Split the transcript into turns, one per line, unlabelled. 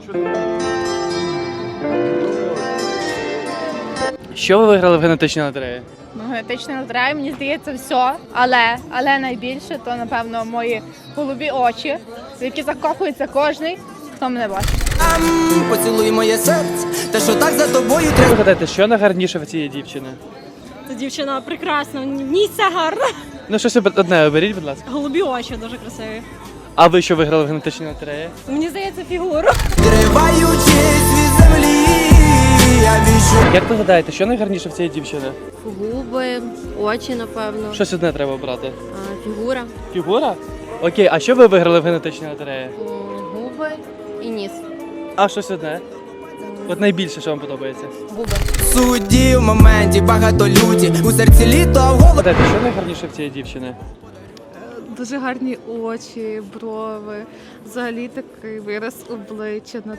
Що ви виграли в генетичній лотереї?
Ну, генетична лотерея, мені здається, все. Але найбільше, то, напевно, мої голубі очі, в які закохується кожний, хто мене бачить.
Поцілуй моє серце, те, що так за тобою
Як
треба.
ви гадаєте, що найгарніше в цієї дівчини?
Ця дівчина прекрасна, в ній все гарно.
Ну, щось одне оберіть, будь ласка.
Голубі очі дуже красиві.
А ви що виграли в генетичній лотереї?
Мені здається, фігуру.
Триваючись від землі, я віщу.
Як ви гадаєте, що найгарніше в цієї дівчини?
Губи, очі, напевно,
Щось одне треба обрати.
фігура,
Фігура? Окей, а що ви виграли в генетичній лотереї?
губи і ніс.
А щось одне? От найбільше, що вам подобається?
Губи.
Судді в моменті багато люті, у серці літо, а в голові.
Гадаєте, що найгарніше в цієї дівчини?
Дуже гарні очі, брови, взагалі такий вираз обличчя,